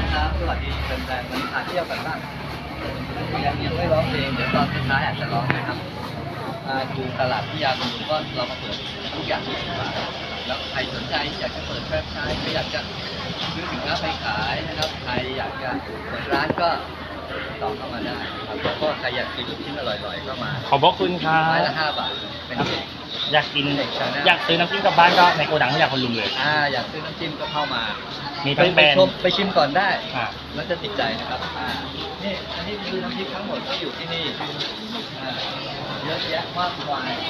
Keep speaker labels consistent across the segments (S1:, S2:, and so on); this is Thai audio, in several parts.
S1: ครับสวัสดีแฟนๆวันนี้พาเที่ยวกันบ้างยังไม่ร้องเพลงเดี๋ยวตอนท้ายอาจจะร้องนะครับดูตลาดพิยาคุณก็เรามาเปิดทุกอย่าง20 บาทแล้วใครสนใจอยากจะเปิดแฟรนไชส์ไม่อยากจะซื้อสินค้าไปขายนะครับใครอยากจะเปิดร้านก็ติดต่อเข้ามาได้ครับแล้วก็ใครอยากกินลูกชิ้นอร่อยๆก็มา
S2: ขอบพระคุณครับ
S1: ไม้ละ5 บาทเป็นเด็ก
S2: อยากกินอยากซื้อน้ำจิ้มกลับบ้านก็ในโกดังที่อยากคนลุงเลย
S1: อยากซื้อน้ำจิ้มก็เข้ามา
S2: มีทั้งแบรนด์
S1: ไปชิมก่อนได้
S2: อ่า
S1: แล้วจะติดใจนะครับนี่อันนี้คือน้ำพริกทั้งหมดที่อยู่ที่นี่เยอะแยะมากมาย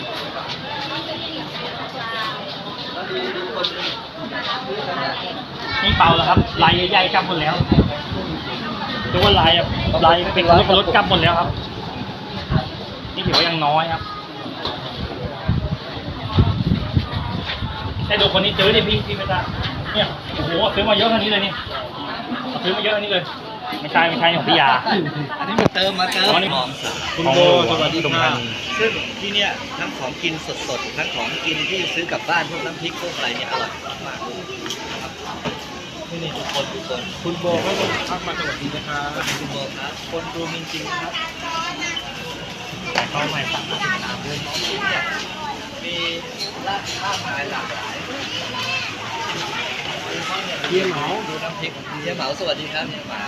S1: แล้วดูคนซื้อกันนะ
S2: นี่เปล่าแล้วครับลายใหญ่ๆกลับหมดแล้วดูว่าลายเป็นรถกลับหมดแล้วครับนี่ถือว่ายังน้อยครับแต่ดูคนนี้ซื้อดิพี่ไม่ได้เนี่ยโอ้โหซื้อมาเยอะขนาดนี้เลยนี่ซื้อมาเยอะขนาดนี้เลยไม่ใช่ของพี่ยา
S1: อันนี้มาเติมของ
S2: คุณโบสวัสดีครับ
S1: ซึ่งที่เนี่ยทั้งของกินสดๆทั้งของกินที่ซื้อกลับบ้านพวกน้ำพริกพวกอะไรเนี่ยอร่อยมากครับนี่ทุกคนคุณโบก็ทักมาสวัสดีนะครับคุณโบครับคนดูจริงๆครับ
S2: เข้าใหม่ครับ
S1: ตามด้วยน้องชิ้นเนี่ยมีร้านมากมายหลากหลายเยี่ยมเหมาดูน้ำพริกเยี่ยมเหมาสวัสดีครับเยี่ยมเหมา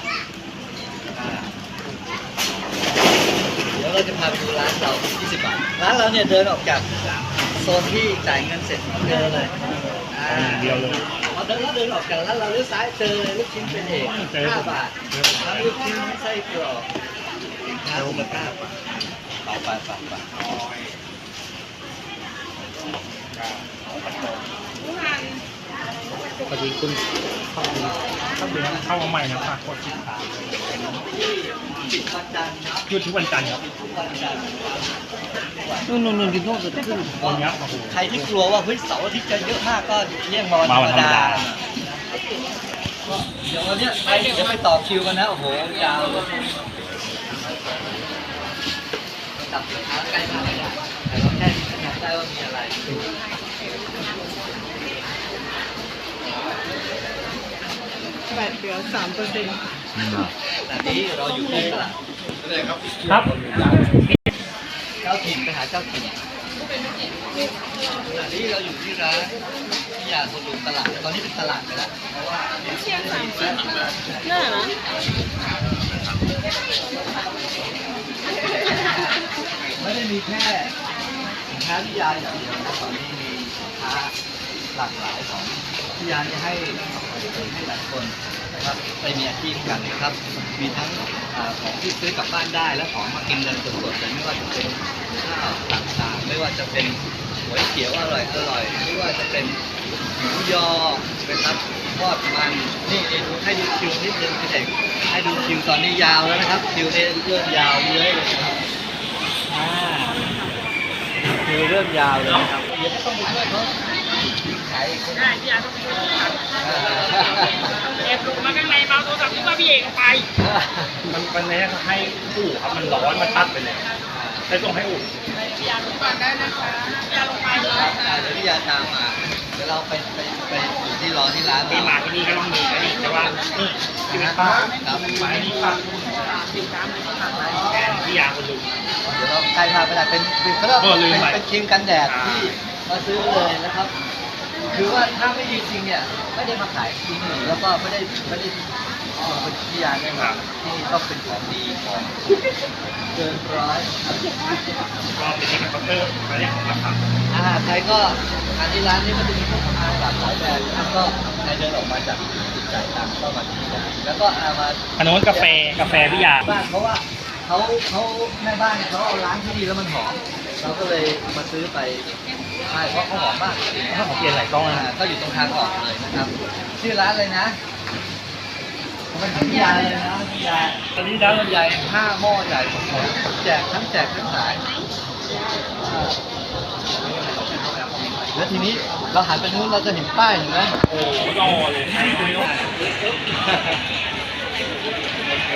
S1: เดี๋ยวเราจะพาไปดูร้านเรา20 บาทร้านเราเนี่ยเดินออกจากโซนที่จ่ายเงินเสร็จเจอเลย
S2: เดียวเลย
S1: พอเดินออกจากร้านเราเลี้ยวซ้ายเจอเลยลูกชิ้นเป็นเอก5 บาททั้งลูกชิ้นทั้งไส้กรอกสินค้ามูลค่าไป
S2: พอดีคุณเข้ามาใหม่นะฝากกดติดตาม
S1: ปิดวันจันทร์ครับ
S2: หยุดทุกวันจันทร์ครับ
S1: ปิดทุกวันจันทร์
S2: นู่นกินโน่นสุดขึ้นวันนี้โอ้โห
S1: ใครที่กลัวว่าเฮ้ยเสาร์อาทิตย์จะเยอะมากก็เลี่ยงมาวันธรรมดาเดี๋ยววันนี้จะไปต่อคิวกันนะโอ้โหยาวเลยจับสินค้าใกล้มากเลยนะแต่เราแค่จำได้ว่ามีอะไร
S3: แบตเหลือ3%
S1: แต่นี้เราอยู่ที่ตลาด
S2: ครับ
S1: เจ้าถิ่นไปหาเจ้าถิ่นขณะนี้เราอยู่ที่ร้านที่ยาคนลุงตลาดตอนนี้เป็นตลาดไปแล้วเพราะว่า
S3: เชียง30น่านะ
S1: ไม่ได้มีแค่สินค้าที่ยาอย่างเดียวนะตอนนี้มีสินค้าหลากหลายของที่ยาจะให้หลายคนนะครับไปมีอาชีพกันนะครับ มีทั้งของที่ซื้อกลับบ้านได้และของมากินกันสดๆเลยไม่ว่าจะเป็นข้าวต่างๆไม่ว่าจะเป็นก๋วยเตี๋ยวอร่อยไม่ว่าจะเป็นหมูยอนะครับทอดมันนี่ดูให้ดูคิวนิดนึงพี่เอกให้ดูคิวตอนนี้ยาวแล้วนะครับคิวนี้เริ่มยาวเยอะเลยนะครับคิวเริ่มยาวเลยนะครับเดี๋ยวก็ต้องไปช่วยเขาขายคน
S3: ได้พี่อาต้องไปดูครับแอบลงมาข้างในเมาโทรศัพท์ที่ว่าพี่เอกไป
S2: มันนี้ให้อู่ครับมันร้อนมันตัดไปเลยได้ส่งให้อู่
S3: พี่อาลงก่อนได้นะคะพี่อาลงไปเลย
S1: เดี๋ยวพี่ยาตามมาเดี๋ยวเราไปอยู่ที่รอที่ร้าน
S2: ที่มาที่นี่ก็ต้องมีนะนี่แต่ว่านี่ที่เป็นป้า
S1: ครับ
S2: หมายนี่ป้าแกนพี่ยาคนลุง
S1: เดี๋ยวเราใครพาไปได้เป็นเขาเรียกว่าเป็นครีมกันแดดที่มาซื้อเลยนะครับ คือว่าถ้าไม่ดีจริงเนี่ยไม่ได้มาขายที่นี่แล้วก็ไม่ได้เป็นพิยาแน่นอนที่นี่ต้องเป็นของดีของเกินร้อย
S2: ก็เป็นที่เคาน์เตอร์มาเรียกของราคา
S1: ใครก็ที่ร้านนี้ก็จะมีเครื่องสำอางหลากหลายแบบนะครับก็ใครเดินออกมาจากจุดจ่ายตังค์ก็มาที่นี่ได้แล้วก็มา
S2: อันนู้นกาแฟพี่ยา
S1: บ้านเพราะว่าเขาแม่บ้านเขาเอาล้างที่ดีแล้วมันหอมเราก็เลยมาซื้อไปใช่เพราะเขาหอมมาก
S2: ถ้าของเปลี่ยนหลายกล้องนะ
S1: ก็อยู่ตรงทางออกเลยนะครับ ชื่อร้านเลยนะมันพิยาเลยนะพิยาตอนนี้ร้านใหญ่5 หม้อใหญ่แจกทั้งขายแล้วทีนี้เราหันไปนู้นเราจะเห็นป้ายเห็นไหม
S2: โอ้รอเลยให้ดู
S1: โอเค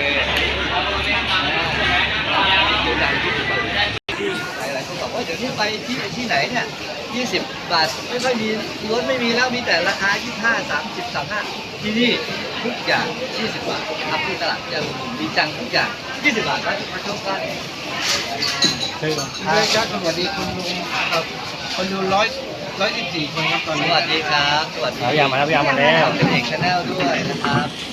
S1: หลายคนบอกว่าเดี๋ยวนี้ไปที่ไหนเนี่ย20 บาทไม่ค่อยมีล้วนไม่มีแล้วมีแต่ราคา25 30 35ที่นี่ทุกอย่าง20 บาทนะครับที่ตลาดเจ้าผมดีจังทุกอย่าง20 บาทครับมาชมกัน
S4: ครับสวัสดีคุณลุงครับคนดู114 คนครับตอน
S1: ส
S4: นี้
S1: วัสดีครับสวัสดี
S2: พยายามมาแล้วพยายามมาแล้ว
S1: เป็นเอกชาแนลด้วยนะครับ